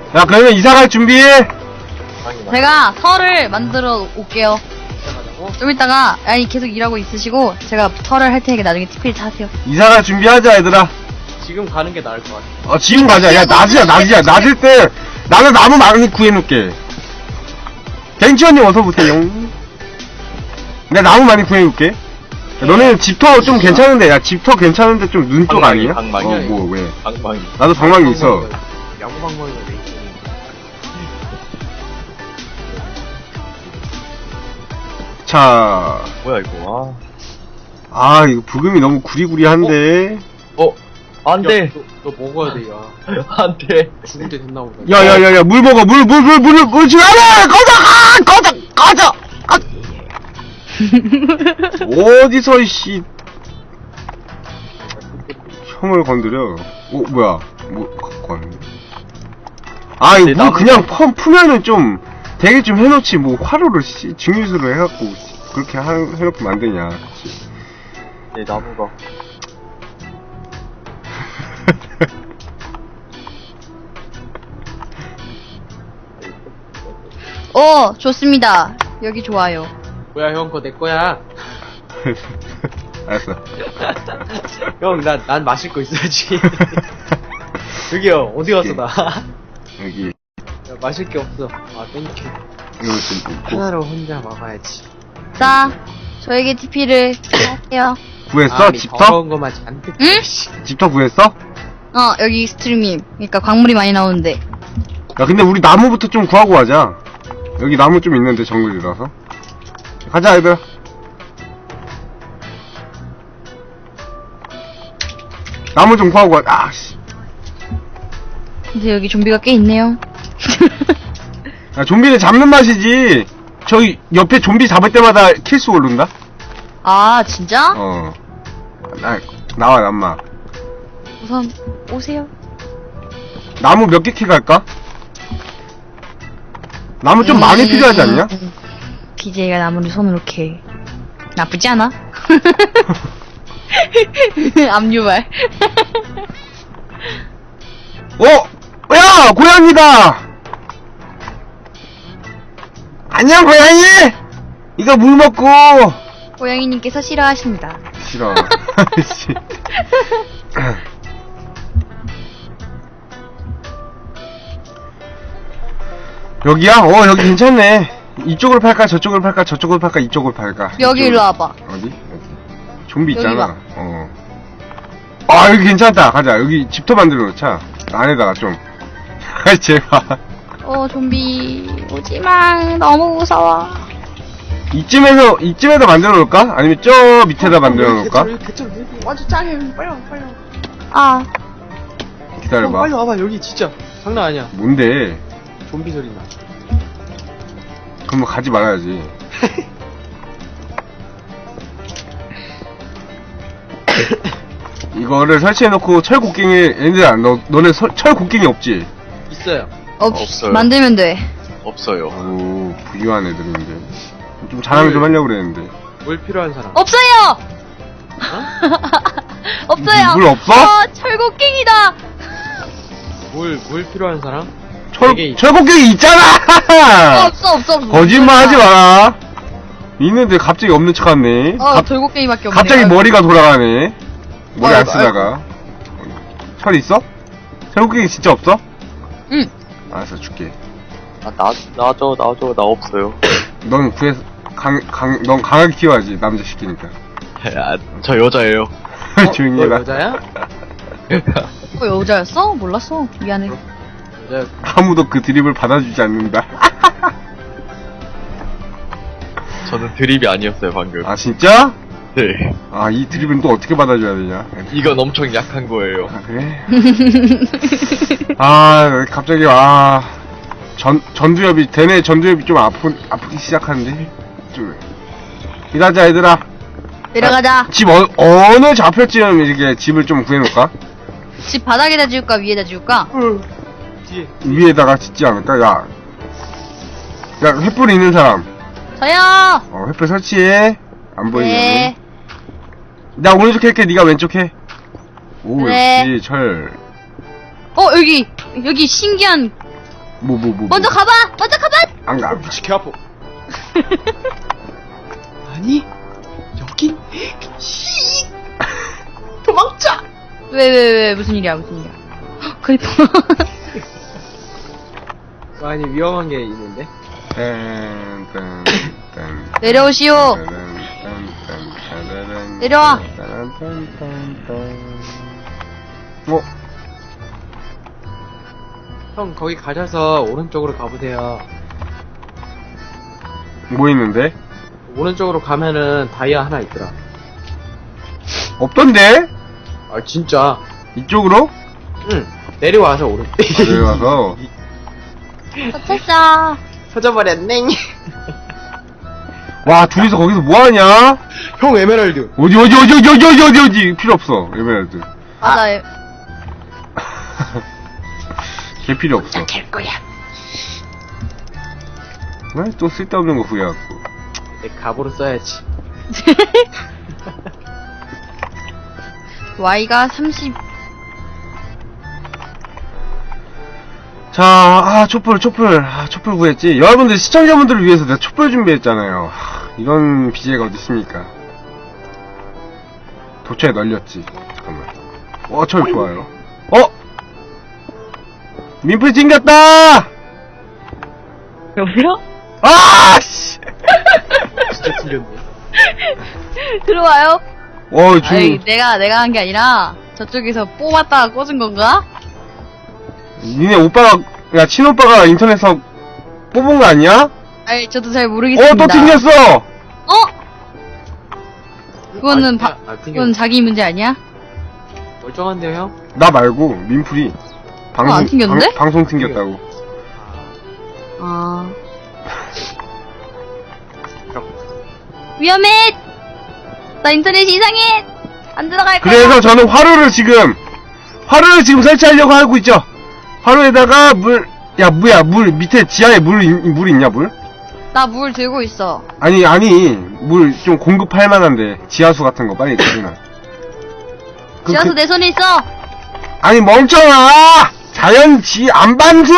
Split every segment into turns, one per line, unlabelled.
야, 그러면 이사갈 준비해.
제가 설을 만들어 올게요. 좀 이따가, 아니, 계속 일하고 있으시고, 제가 설을 할 테니까 나중에 TP를 타세요.
이사갈 준비하자, 얘들아.
지금 가는 게 나을 것 같아.
지금 가자. 야, 낮이야. 낮일 때, 나는 나무 많이 구해놓을게. 벤치언님 어서오세요. 내가 나무 많이 구해놓을게. 너는 집터 좀 괜찮은데, 야, 집터 괜찮은데 좀 눈 쪽 아니야?
방망이.
뭐, 왜?
방망이.
나도 방망이 있어.
야구 방망이가 돼 있어.
자,
뭐야 이거?
이거 부금이 너무 구리구리한데.
안 돼.
너 먹어야 돼, 야.
안 돼.
죽을 때 됐나 보다.
야, 물 먹어. 물 지금 안 해! 꺼져! 어디서, 씨. 혐을 건드려. 뭐야. 갖고 왔네. 이거 물 그냥 푸면은 좀, 되게 좀 해놓지. 뭐, 화로를, 증류수로 해갖고, 그렇게 해놓고 만드냐.
내 나무가.
좋습니다. 여기 좋아요.
뭐야, 형, 그거 내 거야.
알았어.
형, 난 마실 거 있어야지. 여기요, 어디 갔어, 나?
여기,
야, 마실 게 없어. 땡큐.
이거 좀 있고.
하나로 혼자 먹어야지.
자, 저에게 TP를 할게요.
구했어? 집터?
더러운 거만 잔뜩.
응?
집터 구했어?
여기 스트리밍. 그러니까 광물이 많이 나오는데.
야, 근데 우리 나무부터 좀 구하고 가자. 여기 나무 좀 있는데, 정글이라서. 가자, 얘들아. 나무 좀 구하고 가. 씨.
근데 여기 좀비가 꽤 있네요.
야, 좀비를 잡는 맛이지. 저기, 옆에 좀비 잡을 때마다 킬수 오른다?
진짜?
나와, 남마.
우선 오세요.
나무 몇 개 캐갈까? 나무 좀 많이 필요하지 않냐?
BJ가 나무를 손으로 캐. 나쁘지 않아? 압류발.
야! 고양이다! 안녕, 고양이! 이거 물 먹고!
고양이님께서 싫어하십니다.
싫어. 씨. 여기야? 여기 괜찮네. 이쪽으로 팔까? 저쪽으로 팔까? 저쪽으로 팔까? 이쪽으로 팔까?
여기 일로 와봐.
어디? 여기. 좀비
여기
있잖아.
봐.
여기 괜찮다. 가자. 여기 집터 만들어 놓자. 안에다가 좀. 제발.
좀비 오지마. 너무 무서워.
이쯤에다 만들어 놓을까? 아니면 저 밑에다 만들어 놓을까?
개쩔, 완전 짱해. 빨리 와.
기다려봐.
빨리 와봐, 여기 진짜. 장난 아니야.
뭔데?
좀비 소리 나.
그럼 가지 말아야지. 이거를 설치해놓고 철곡갱이, 얘들아, 너네 철곡갱이 없지?
있어요.
없어요.
만들면 돼.
없어요.
오, 부유한 애들인데. 좀 자랑 좀 하려고 그랬는데.
뭘 필요한 사람?
없어요! 없어요!
물 없어?
철곡갱이다!
뭘 필요한 사람?
철곡갱이 있잖아!
없어.
거짓말 하지 마라. 있는데 갑자기 없는 척 하네.
철곡갱이밖에 없네.
갑자기 머리가 돌아가네. 머리 안 쓰다가. 철 있어? 철곡갱이 진짜 없어?
응.
알았어, 줄게.
놔줘, 나 없어요.
넌 넌 강하게 키워야지, 남자 시키니까.
저 여자예요.
조용히
너
해라.
여자야?
여자였어? 몰랐어. 미안해.
여자.
아무도 그 드립을 받아주지 않는다.
저는 드립이 아니었어요 방금.
아, 진짜?
네.
이 드립은 또 어떻게 받아줘야 되냐?
이건 엄청 약한 거예요.
그래? 갑자기, 대뇌 전두엽이 좀 아프기 시작하는데? 좀. 일하자, 얘들아.
내려가자.
집 어느 좌표쯤 이렇게 집을 좀 구해놓을까?
집 바닥에다 지울까 위에다 지울까?
뒤에.
위에다가 짓지 않을까? 야, 횃불 있는 사람.
저요.
횃불 설치해. 안 보이면.
네.
나 오른쪽 할게, 네가 왼쪽 해. 오,
네.
역시 철.
여기 신기한 먼저 가봐! 먼저 가봐!
안 가.
미치 개 아파. 아니 여긴 도망쳐.
왜, 무슨 일이야, 무슨 일이야. 헉, 크리퍼.
아니 위험한 게 있는데.
내려오시오. 내려와.
어?
형 거기 가셔서 오른쪽으로 가보세요.
뭐 있는데?
오른쪽으로 가면은 다이아 하나 있더라.
없던데?
아 진짜.
이쪽으로?
응. 내려와서 오른.
내려와서.
도착했어.
터져버렸네.
와, 둘이서 거기서 뭐하냐?
형 에메랄드.
어디. 필요 없어, 에메랄드.
맞아.
걔 필요 없어.
캘 거야.
또 쓸데없는 거 후회하고.
내 갑으로 써야지.
Y가 30.
자, 촛불 구했지. 여러분들, 시청자분들을 위해서 내가 촛불 준비했잖아요. 이런 BJ가 어딨습니까? 도처에 널렸지. 잠깐만. 철 좋아요. 민풀 찡겼다!
여보세요?
씨!
진짜 튕겼네.
들어와요? 아이,
지금,
내가 한 게 아니라, 저쪽에서 뽑았다가 꽂은 건가?
니네 오빠가, 친오빠가 인터넷에서 뽑은 거 아니야?
아이, 저도 잘 모르겠습니다.
또 튕겼어!
그거는
그건
자기 문제 아니야?
멀쩡한데요 형?
나 말고, 민풀이.
안 튕겼는데?
방송 튕겼다고.
아. 위험해! 나 인터넷이 이상해! 안 들어갈 거야!
그래서 저는 화로를 지금 설치하려고 하고 있죠. 화로에다가 물 밑에 지하에 물 있냐, 물?
나 물 들고 있어.
아니, 물 좀 공급할 만한데, 지하수 같은 거 빨리 주나.
지하수 내 손에 있어!
아니, 멍청아! 안반수!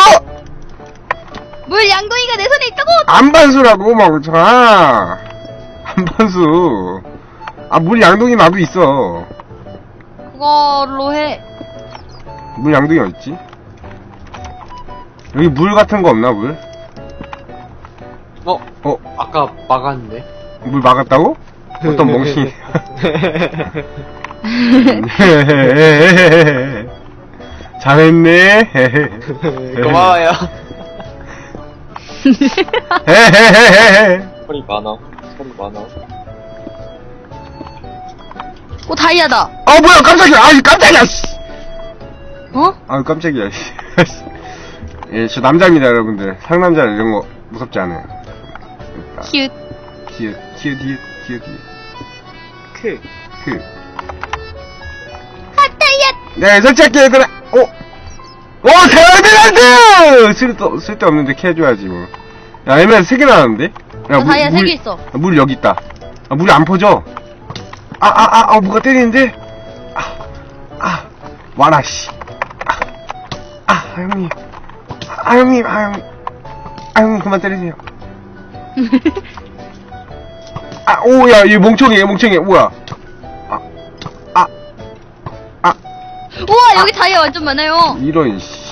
물 양동이가 내 손에 있다고!
안반수라고, 멍청아! 안반수. 물 양동이 나도 있어.
그걸로 해.
물 양동이 어딨지? 여기 물 같은 거 없나, 물?
아까 막았는데.
물 막았다고? 어떤 멍청이. 잘했네.
고마워요.
소리 많아.
다이아다!
뭐야, 깜짝이야! 깜짝이야! 씨. 깜짝이야. 예, 저 남자입니다, 여러분들. 상남자 이런 거 무섭지 않아요.
키읔. 다이아!
네, 설치할게, 얘들아! 대에메랄드! 쓸데없는데 캐줘야지, 뭐. 야, 에메랄드 3개 나왔는데?
다이아 3개 있어.
물 여기 있다. 물이 안 퍼져. 뭐가 때리는데? 와라, 씨. 형님. 형님, 그만 때리세요. 야, 얘 멍청해, 뭐야.
우와, 여기 다이아 완전 많아요.
이런, 씨.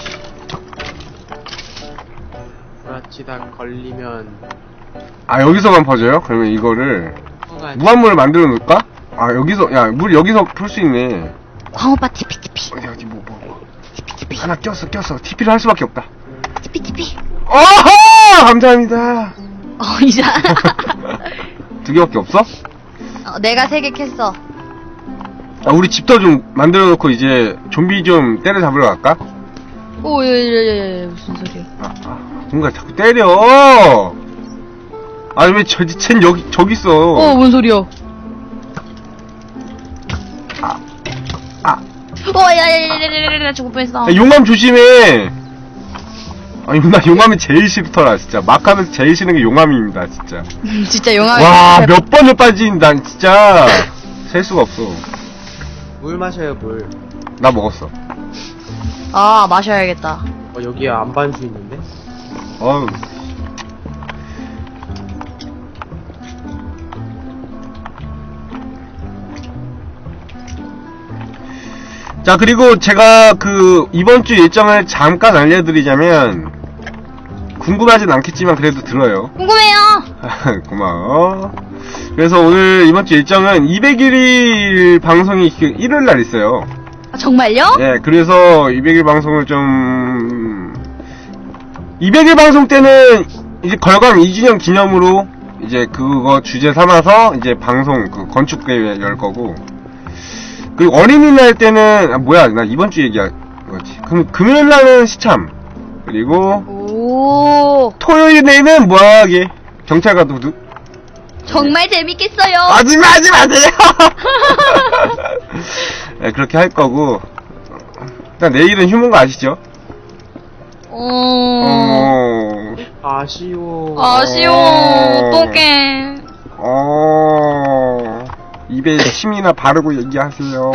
브라치다 걸리면.
여기서만 퍼져요? 그러면 이거를, 무한물을 만들어 놓을까? 물 여기서 풀 수 있네.
광오빠 TP.
어디, 하나 꼈어. TP를 할 수밖에 없다.
TP.
어허! 감사합니다.
이제.
2개밖에 없어?
내가 3개 캤어.
우리 집터 좀 만들어 놓고 이제 좀비 좀 때려잡으러 갈까?
무슨 소리야.
뭔가 자꾸 때려! 왜 쟨 저기 있어.
뭔 소리야. 야야야야야야야, 죽을 뻔했어.
용암 조심해! 나 용암이 제일 싫더라, 진짜. 막 하면서 제일 싫은 게 용암입니다, 진짜.
진짜 용암이.
와, 몇 번을 빠진, 난 진짜. 셀 수가 없어.
물 마셔요 물.
나 먹었어.
마셔야겠다.
여기에 안반수 있는데?
어우. 자, 그리고 제가 이번 주 일정을 잠깐 알려드리자면, 궁금하진 않겠지만 그래도 들어요.
궁금해요.
고마워. 그래서 오늘 이번 주 일정은 201일 방송이 일요일 날 있어요.
아, 정말요?
예, 그래서 200일 방송을 좀 200일 방송 때는 이제 걸광 2주년 기념으로 이제 그거 주제 삼아서 이제 방송 건축 대회 열 거고, 그리고 어린이날 때는 나 이번 주 얘기한 거지. 그럼 금요일 날은 시참, 그리고
오,
토요일에는 뭐하게 경찰과 도둑.
정말 재밌겠어요.
하지 마세요. 네, 그렇게 할 거고, 일단 내일은 휴무인 거 아시죠?
아쉬워.
아쉬워. 어떡해.
입에 침이나 바르고 얘기하세요.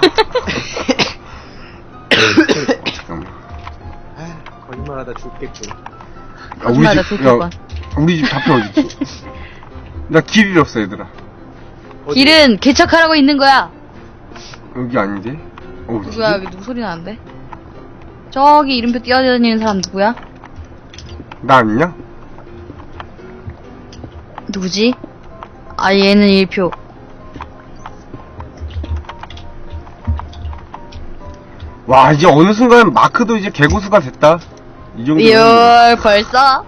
잠깐만.
거짓말하다 죽겠군.
거짓말하다 죽겠군.
우리 집 좌표 어디지? 나 길 잃었어, 얘들아.
길은 개척하라고 있는 거야.
여기 아닌데? 어디지?
누구야? 여기 누구 소리 나는데? 저기 이름표 뛰어다니는 사람 누구야?
나 아니냐?
누구지? 아, 얘는 1표.
와, 이제 어느 순간 마크도 이제 개고수가 됐다. 이 정도면.
이얼, 벌써?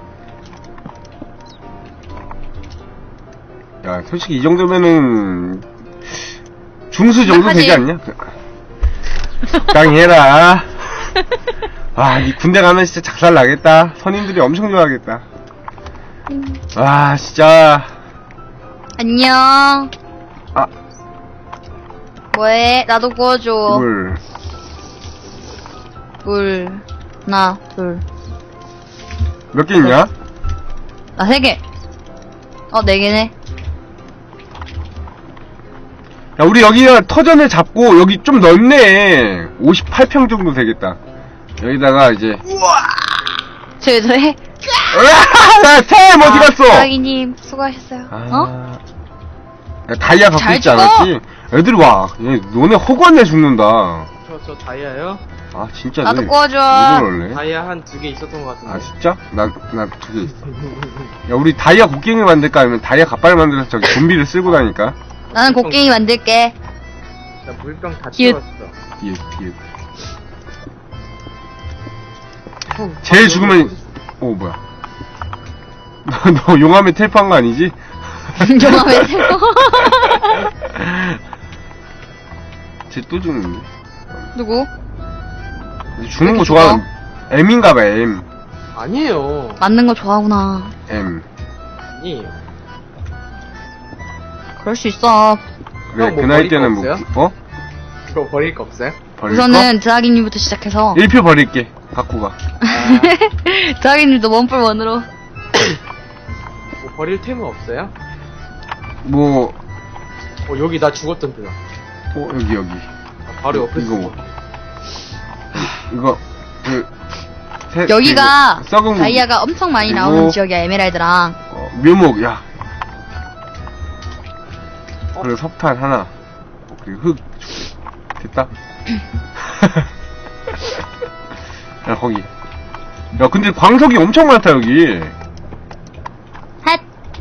야, 솔직히 이 정도면은 중수 정도
하지.
되지 않냐? 적당히 해라. 아, 이 군대 가면 진짜 작살 나겠다. 선임들이 엄청 좋아하겠다. 아, 진짜.
안녕.
아,
뭐해? 나도 구워줘. 물. 하나, 둘.
몇 개 있냐?
나 3개. 4개네.
야, 우리 여기가 터전을 잡고 여기 좀 넓네. 58평 정도 되겠다. 여기다가 이제.
저해.
으아! 템 어디 갔어?
자기님 수고하셨어요. 어?
야, 다이아 갖고
잘
있지
죽어?
않았지? 애들이 와. 얘, 너네 허구한내 죽는다.
저 다이아요?
아, 진짜.
나도
왜
구워줘.
그럴래?
다이아 한 2개 있었던 것 같은데.
아, 진짜? 나 2개 있어. 야, 우리 다이아 곡괭이 만들까? 아니면 다이아 갓발 만들어서 저기 좀비를 쓸고 다니까?
나는 곡괭이 만들게.
나 물병 다
기웃.
채웠어.
뒤에. 제일 죽으면, 뭐야. 너 용암에 텔프한 거 아니지?
용암에 새우.
쟤 또 죽는데?
누구?
죽는 거 좋아하는, M인가봐, M.
아니에요.
맞는 거 좋아하구나.
M.
아니에요.
그럴 수 있어.
그래,
형, 뭐
그 나이
버릴 거
때는 뭐,
없어요? 그거 버릴 거 없어요?
버릴 거?
우선은 드하기님부터 시작해서
1표 버릴게. 갖고 가.
드하기님도 원뿔원으로.
뭐 버릴 템은 없어요?
뭐,
여기 나 죽었던 데다.
여기.
바로 옆에
이거
있어.
뭐. 이거,
여기가
그리고 썩은 고기.
다이아가 엄청 많이
그리고-
나오는 지역이야. 에메랄드랑.
묘목, 야. 그리고 석탄 하나. 그리고 흙. 됐다. 야, 거기. 야, 근데 광석이 엄청 많다, 여기.
핫.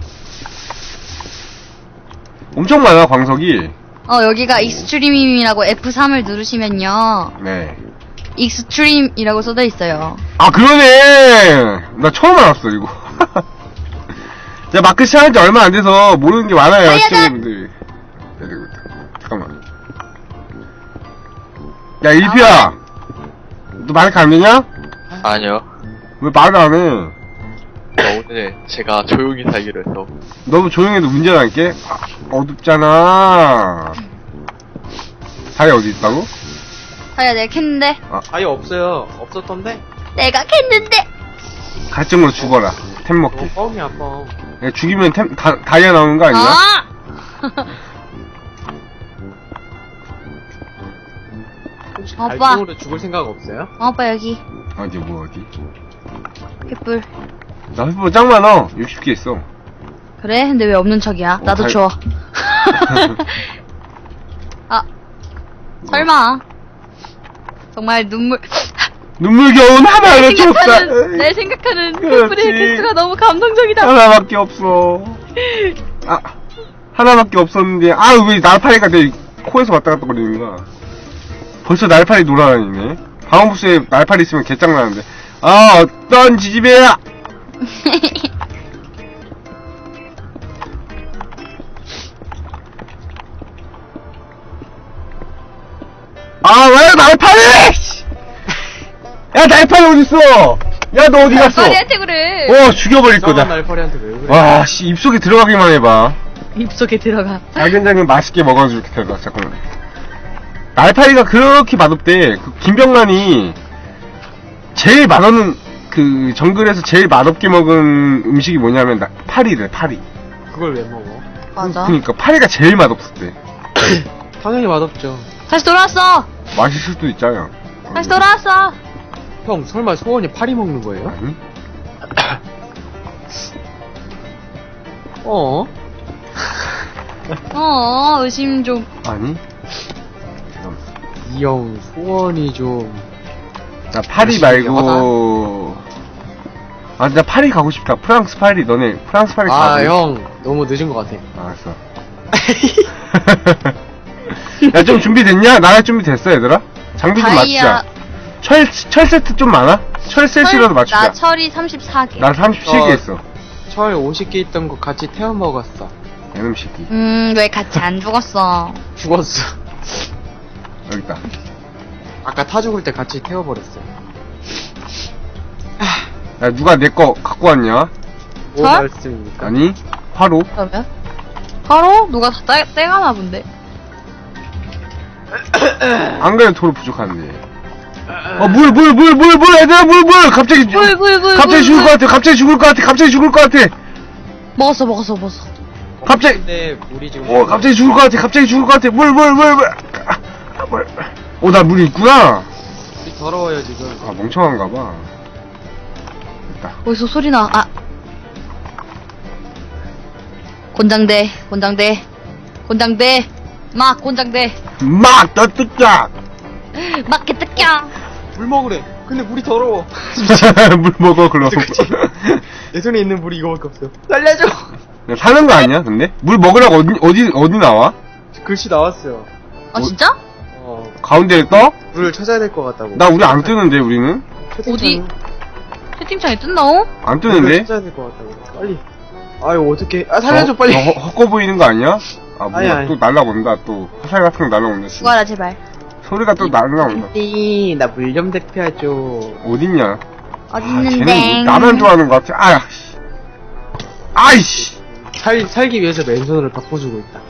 엄청 많아, 광석이.
여기가 익스트림이라고 F3을 누르시면요.
네.
익스트림이라고 써져 있어요.
아, 그러네! 나 처음 알았어, 이거. 제가 마크 시작한 지 얼마 안 돼서 모르는 게 많아요,
다이아다!
시청자분들이. 잠깐만. 야, 일피야! 너 마이크 안 되냐?
아니요.
왜 말을 안 해?
오늘 제가 조용히 살기로 해서.
너무 조용해도 문제가 있게? 어둡잖아. 다이 어디 있다고?
다이아 내가 캤는데?
다이아 없어요. 없었던데?
내가 캤는데?
갈증으로 죽어라. 템 먹기.
뻥이야 뻥.
야, 죽이면 다이아 나오는 거 아니야?
아!
혹시
오빠.
갈증으로 죽을 생각 없어요?
오빠 여기.
어디, 뭐, 어디?
횃불.
나 횃불 짱 많아. 60개 있어.
그래? 근데 왜 없는 척이야? 나도
잘-
줘. 아, 설마. 정말
눈물겨운 하나를 줬다.
날 생각하는
그렇지.
횃불의 개수가 너무 감동적이다.
하나밖에 없어. 아, 하나밖에 없었는데, 아, 왜 날파리가 내 코에서 왔다 갔다 거리는 거야. 벌써 날파리 놀아다니네. 방어부스에 날파리 있으면 개짱나는데. 아, 어떤 지지배야! 아, 왜 날파리! 씨! 야, 날파리 어딨어! 야, 너 어디 갔어?
날파리한테 그래.
죽여버릴
이상한
거다.
날파리한테 왜 그래?
와, 씨, 입속에 들어가기만 해봐.
입속에 들어가.
달걀장은 맛있게 먹어줄게, 제가. 잠깐만. 날파리가 그렇게 맛없대. 그 김병만이 제일 맛없는, 그, 정글에서 제일 맛없게 먹은 음식이 뭐냐면, 파리래, 파리.
그걸 왜 먹어?
맞아.
그니까, 파리가 제일 맛없었대.
당연히 맛없죠.
다시 돌아왔어.
맛있을 수도 있잖아.
다시 돌아왔어.
형, 설마 소원이 파리 먹는 거예요?
아니?
어?
의심 좀.
아니?
이 형, 소원이 좀.
나 파리 말고, 아, 나 파리 가고 싶다. 프랑스 파리. 너네 프랑스 파리 가고
아, 형, 너무 늦은 것 같아.
알았어. 야, 좀 준비됐냐? 나갈 준비 됐어, 얘들아? 장비 좀 맞추자. 철 세트 좀 많아? 철 세트라도 맞추자.
나 철이 34개.
나 37개 있어.
철 50개 있던 거 같이 태워 먹었어.
애놈 새끼.
왜 같이 안 죽었어?
죽었어.
여기 있다.
아까 타 죽을 때 같이 태워버렸어.
야, 누가 내 거 갖고 왔냐?
뭐
철?
말씀입니까?
아니, 화로.
그러면? 바로? 누가 다 떼가나 본데.
안 그래도 돌 부족한데. 물, 얘들아, 물! 갑자기,
물.
갑자기 죽을 것 같아, 갑자기 죽을 것 같아.
먹었어.
갑자기,
근데 물이 지금.
갑자기 죽을 것 같아, 물. 나 물 있구나.
물이 더러워요, 지금.
아, 멍청한가 봐. 됐다.
어디서 소리 나? 아. 곤장대. 막 곤장대.
막, 너 뜯자!
막게 뜯겨.
물 먹으래. 근데 물이 더러워.
물 먹어, 그럼.
그치? 내 손에 있는 물이 이거밖에 없어. 살려줘!
사는 거 아니야, 근데? 물 먹으라고 어디 나와?
글씨 나왔어요.
아 진짜?
가운데에 떠?
물을 찾아야 될 것 같다고.
나 우리 안 뜨는데, 우리는?
어디? 채팅창에 뜬다고?
안
물을
뜨는데?
찾아야 될 것 같다고. 빨리. 아유, 어떡해. 아, 살려줘, 빨리.
헛거 보이는 거 아니야? 아, 뭐야,
아니.
또 날라온다, 또. 화살 같은 거 날라온다. 또.
죽어라 제발.
소리가 또 날라온다.
나 물 좀 대표해줘.
어딨냐?
어디
쟤는
있는데?
뭐 나만 좋아하는 것 같아. 아이씨!
살기 위해서 맨손으로 바꿔주고 있다.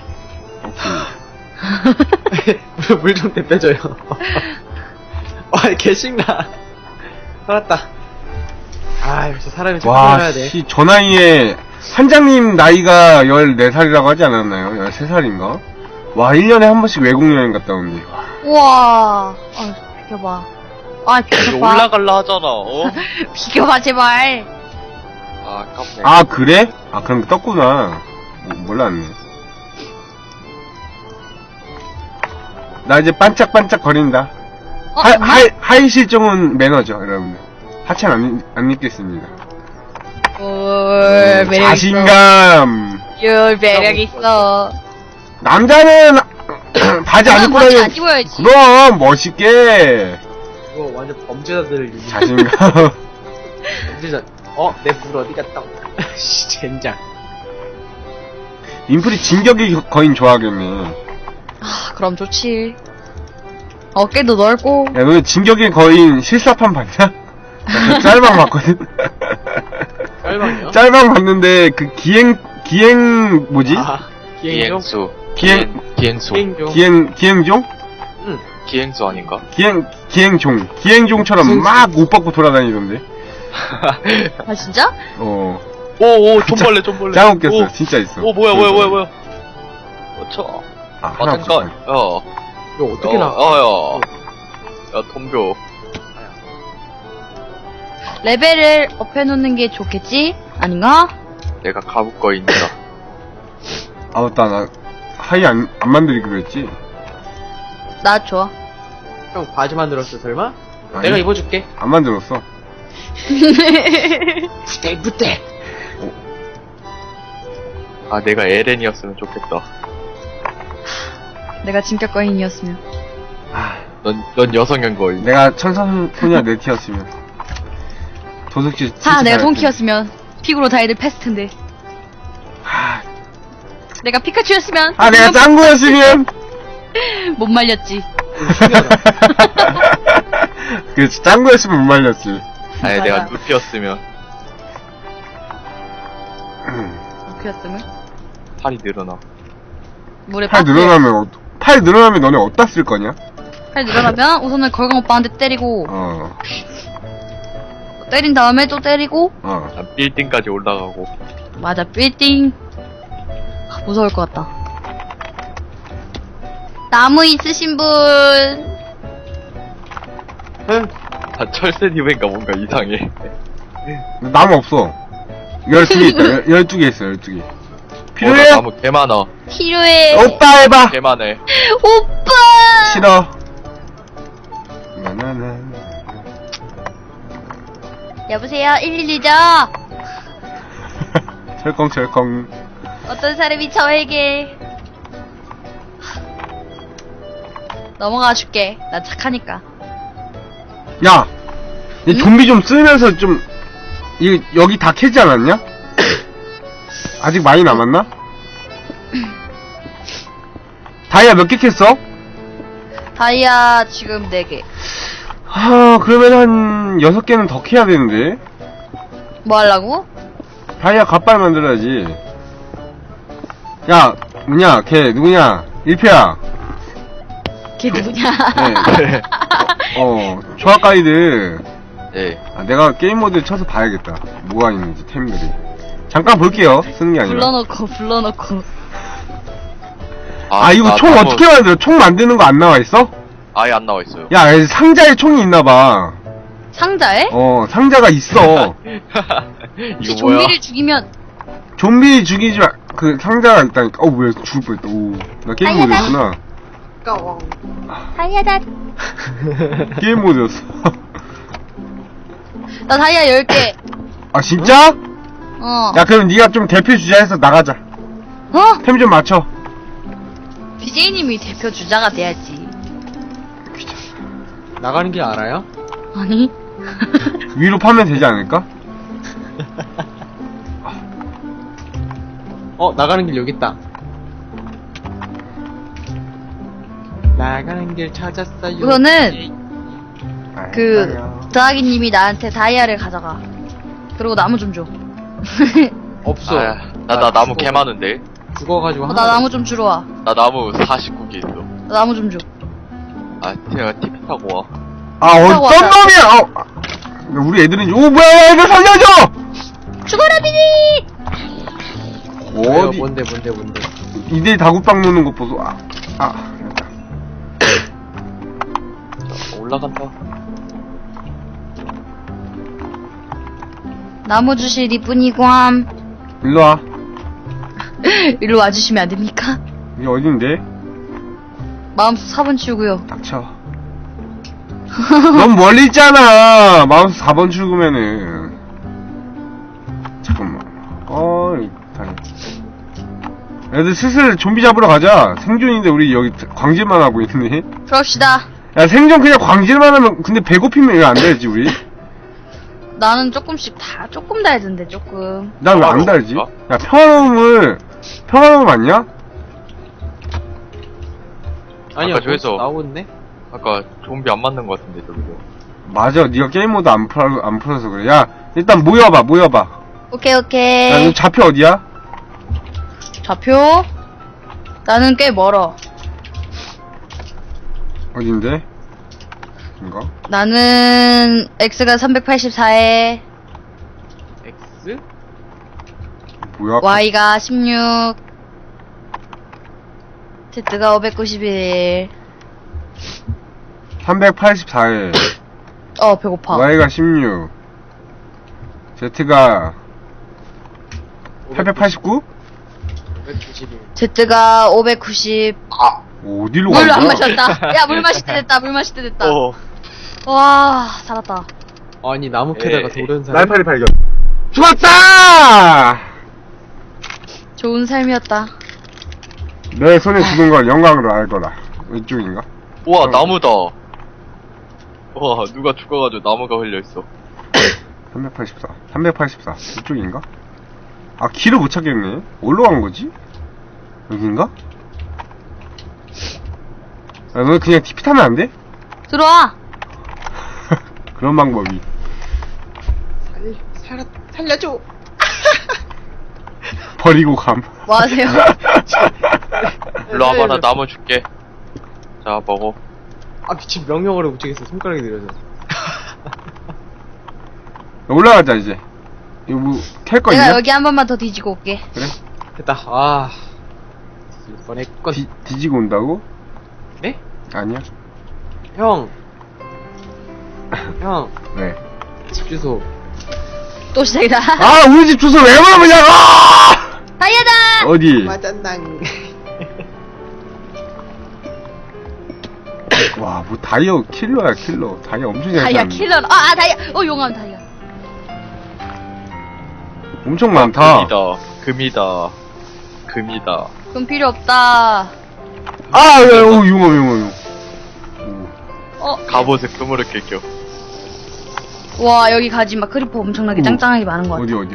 오케이.
물 좀 대표줘요. 와, 개신나. 살았다. 아, 역시 사람이 참
와,
살아야 돼.
씨, 저 나이에, 한장님 나이가 14살이라고 하지 않았나요? 13살인가? 와, 1년에 한 번씩 외국여행 갔다 오는데.
우와. 비켜봐. 비켜봐.
올라갈라 하잖아, 어?
비켜봐 제발.
아, 아깝네.
아, 그래? 아, 그럼 떴구나. 몰랐네. 나 이제 반짝반짝 거린다. 하이 실종은 매너죠, 여러분들. 하찮 안 입겠습니다.
매력 있어.
자신감.
매력 있어.
남자는 바지 안 입고
바지
다니.
안 입어야지.
그럼 멋있게.
이거 완전 범죄자들을 유지.
자신감.
범죄자. 내 물 어디 갔다? 씨, 젠장.
인플이 진격의 거인 좋아하겠네.
그럼 좋지. 어깨도 넓고.
야, 너네 진격의 거인 실사판 봤냐? 나 그 짤방 봤거든.
짤방이요?
짤방 봤는데 그 기행 뭐지?
기행종?
기행수.
기행종?
응.
기행수 아닌가?
기행종처럼 막 옷 벗고 돌아다니던데.
아 진짜?
오, 존벌레.
짱 웃겼어.
오,
진짜 있어.
오, 뭐야. 쳐.
아, 하나
맞은 거.
이거 어떻게 나?
야, 덤벼.
레벨을 업해놓는 게 좋겠지? 아닌가?
내가 가부거인이다.
아, 맞다. 나 하이 안 만들기로 했지?
나 좋아.
형 바지 만들었어 설마?
아니,
내가 입어줄게.
안 만들었어.
부대.
아, 내가 에렌이었으면 좋겠다.
내가 진격 거인이었으면.
넌 여성형 거인.
내가 천사소녀 네티였으면. 도둑질.
하, 내가 돈키였으면. 픽으로 다 애들 패스 텐데.
하,
내가 피카츄였으면.
아, 내가 짱구였으면.
못 말렸지.
그렇지, 짱구였으면 못 말렸지.
아니,
맞아.
내가 루피였으면
그였으면.
팔이 늘어나.
물에
팔
빠뜨려.
늘어나면 너네 어디다 쓸 거냐?
팔 늘어나면 우선은 걸강 오빠한테 때리고 때린 다음에 또 때리고
난 빌딩까지 올라가고.
맞아 빌딩. 무서울 것 같다. 나무 있으신 분.
응.
다 철새님인가 뭔가 이상해.
나무 없어. 12개 있다. 12개 있어, 12개. 필요해?
나 나무 개 많아.
필요해.
오빠 해봐!
개 많네.
오빠.
싫어. 나나나.
여보세요 112죠.
철컹철컹.
어떤 사람이 저에게 넘어가 줄게. 나 착하니까.
야! 이
응?
좀비 좀 쓰면서 좀, 여기 다 캐지 않았냐? 아직 많이 남았나? 다이아 몇 개 캤어?
다이아 지금 4개.
그러면 한 6개는 더 캐야 되는데.
뭐 하려고?
다이아 갓발 만들어야지. 야, 뭐냐, 걔, 누구냐? 1패야.
걔 누구냐?
네. 조합 가이드.
예.
내가 게임 모드 쳐서 봐야겠다. 뭐가 있는지, 템들이. 잠깐 볼게요. 쓰는 게 아니라.
불러놓고.
이거
나
총
나무
어떻게 만들어? 총 만드는 거 안 나와 있어?
아예 안 나와 있어요.
야, 상자에 총이 있나봐.
상자에?
상자가 있어.
혹시
이거 뭐야?
좀비를 죽이면
좀비 죽이지 마. 그 상자가 있다니까. 뭐야, 죽을 뻔했다. 오, 나 게임 모드였구나.
다이아다.
게임 모드였어.
나 다이아 10개.
아, 진짜?
야,
그럼 네가 좀 대표 주자해서 나가자. 템 좀 맞춰.
BJ님이 대표 주자가 돼야지.
나가는 길 알아요?
아니?
위로 파면 되지 않을까?
나가는 길 여기 있다. 나가는 길 찾았어요.
우선은 드하기님이 나한테 다이아를 가져가. 그리고 나무 좀 줘.
없어.
나 나무 개 많은데.
죽어가지고
나 나무 좀 주러 와.
나 나무 49개 있어.
나 나무 좀 줘.
내가 TP 타고 와.
타고
어떤
왔다.
놈이야! 우리 애들은, 뭐야, 애들 살려줘!
죽어라 비니!
어디,
뭔데.
이들 다구빵 노는 거 보소. 됐다.
올라간다.
나무 주실 이뿐이구함.
일로 와.
일로 와주시면 안 됩니까?
이게 어딘데?
마음속 4번 치우고요.
닥쳐. 넌 멀리 있잖아. 마우스 4번 출구면은. 잠깐만. 다행. 애들 슬슬 좀비 잡으러 가자. 생존인데 우리 여기 광질만 하고 있네.
그럽시다.
야, 생존 그냥 광질만 하면, 근데 배고프면 왜 안 되지, 우리?
나는 조금 달던데, 조금.
난 왜 안 달지? 야, 평화로움 맞냐?
아니야,
아까 저기서-
나오겠네?
아까 좀비 안 맞는 것 같은데 저기서.
맞아, 네가 게임 모드 안 풀어서 그래. 야, 일단 모여봐.
오케이.
야, 너 좌표 어디야?
좌표? 나는 꽤 멀어.
어딘데? 이거?
나는 X가 384에
X?
뭐야?
Y가 16 Z가 591.
384에
배고파.
Y가 16 Z가 889?
191.
Z가 590.
어디로
물
간
안
거야?
마셨다. 야, 물 마실 때 됐다. 물 마실 때 됐다.
어.
와, 살았다.
아니, 나무 캐다가
에이.
도른 사람.
날파리 발견. 죽었다!
좋은 삶이었다.
내 손에 죽은 걸 영광으로 알 거다. 이쪽인가?
우와, 나무다. 와, 누가 죽어가지고 나무가 흘려있어.
384. 384. 이쪽인가? 아, 길을 못 찾겠네. 어디로 간 거지? 여긴가? 야, 너 그냥 TP 타면 안 돼?
들어와.
그런 방법이.
살려줘.
버리고 감.
뭐 하세요?
일로 와봐, 나 나무 줄게. 자, 먹어.
아, 미친 명령어를 못 치겠어. 손가락이 느려져.
올라가자, 이제. 이거 뭐, 캘 거
내가
있냐?
여기 한 번만 더 뒤지고 올게.
그래?
됐다. 아. 뻔했건.
뒤지고 온다고?
네?
아니야.
형. 형.
왜?
집 주소.
또 시작이다.
아, 우리 집 주소 왜 물어보냐고!
다이아다!
어디?
맞았낭.
와, 뭐 다이어 킬러야, 킬러. 다이어 엄청 잘
다이아
찾네.
킬러. 다이아. 용암 다이아.
엄청 많다.
금이다. 금이다.
그럼 필요 없다.
아, 야, 오, 융어.
갑옷에 금으로 낄겨.
와, 여기 가지 막 크리퍼 엄청나게
오.
짱짱하게 많은 것 같아.
어디.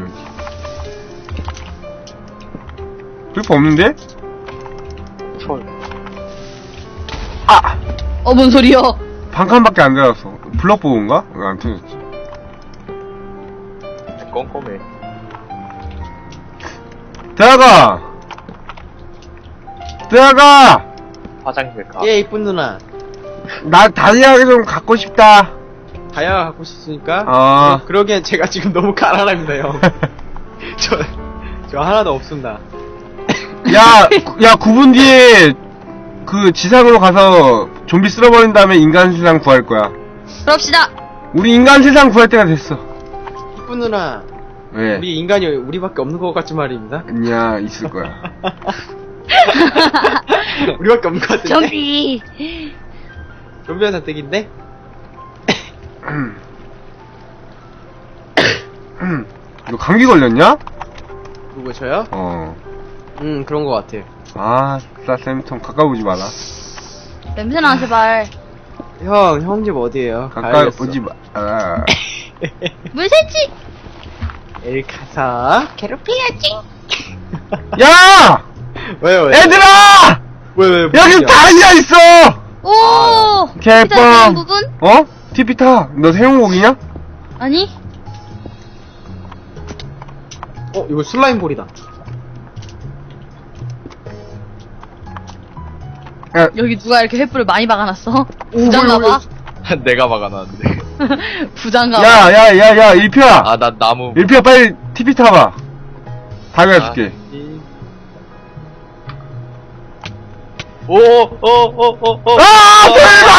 크리퍼 없는데?
철.
아!
뭔 소리여?
반칸밖에 안 들어갔어. 블럭 보고인가? 왜 안 터졌지?
꼼꼼해.
들어가!
화장실 가.
예, 이쁜 누나.
나 다이아 좀 갖고 싶다.
다이아 갖고 싶으니까.
아.
그러기엔 제가 지금 너무 가난합니다, 형. 저 하나도 없습니다.
야, 9분 뒤에 그 지상으로 가서 좀비 쓸어버린 다음에 인간 세상 구할 거야.
그럽시다.
우리 인간 세상 구할 때가 됐어.
이쁜 누나.
왜?
우리 인간이 우리밖에 없는 것 같지 말입니다.
아니야, 있을 거야.
우리밖에 없는 것 같은데.
좀비.
좀비한테 뜨기인데?
너 감기 걸렸냐?
누구 저요? 그런 것 같아요.
아, 쌤통 가까이 오지 마라.
냄새나, 제발.
형 집 어디에요?
가까이
가야겠어.
오지 마. 아.
물새치!
엘카사.
괴롭혀야지.
야!
왜요?
얘들아!
왜?
여기 다이아 있어!
오!
개뻥!
기다리는 부분?
어? 티피타, 너 세용곡이냐?
아니?
이거 슬라임 볼이다.
야,
여기 누가 이렇게 횃불을 많이 박아놨어? 부장가봐?
내가 막아놨는데.
부장가봐?
야, 일피야!
아, 나 나무.
일피야, 빨리 티피 타봐. 다이아 줄게.
오.
아,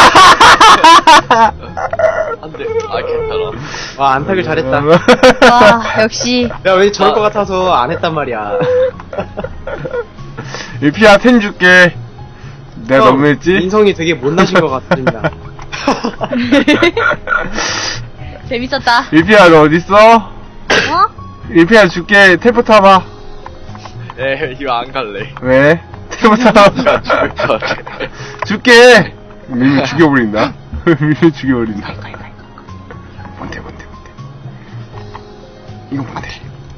안 돼. 아, 괜찮아.
와, 안타길 잘했다.
와, 역시.
내가 왠지 저럴 것 같아서 안 했단 말이야.
일피야, 텐 줄게. 내가
형,
너무했지?
인성이 되게 못나신 것 같습니다.
재밌었다.
일피야, 너 어딨어?
어?
일피야, 줄게. 텔포 타봐.
이거 안 갈래.
왜? 텔포 타봐.
나 죽을 것 같아.
줄게! 밀면 죽여버린다. 밀면 죽여버린다. 뭔데. 이거 뭔데?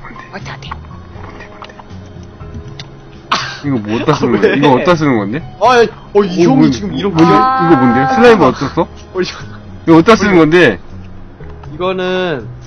이거 뭐 어디다 쓰는 건데?
왜?
이거 어디다 쓰는 건데?
이 형이 지금 이런
뭔데?
거야?
이거 뭔데? 슬라임은 어디다 써? 이거 어디다 쓰는 건데?
이거는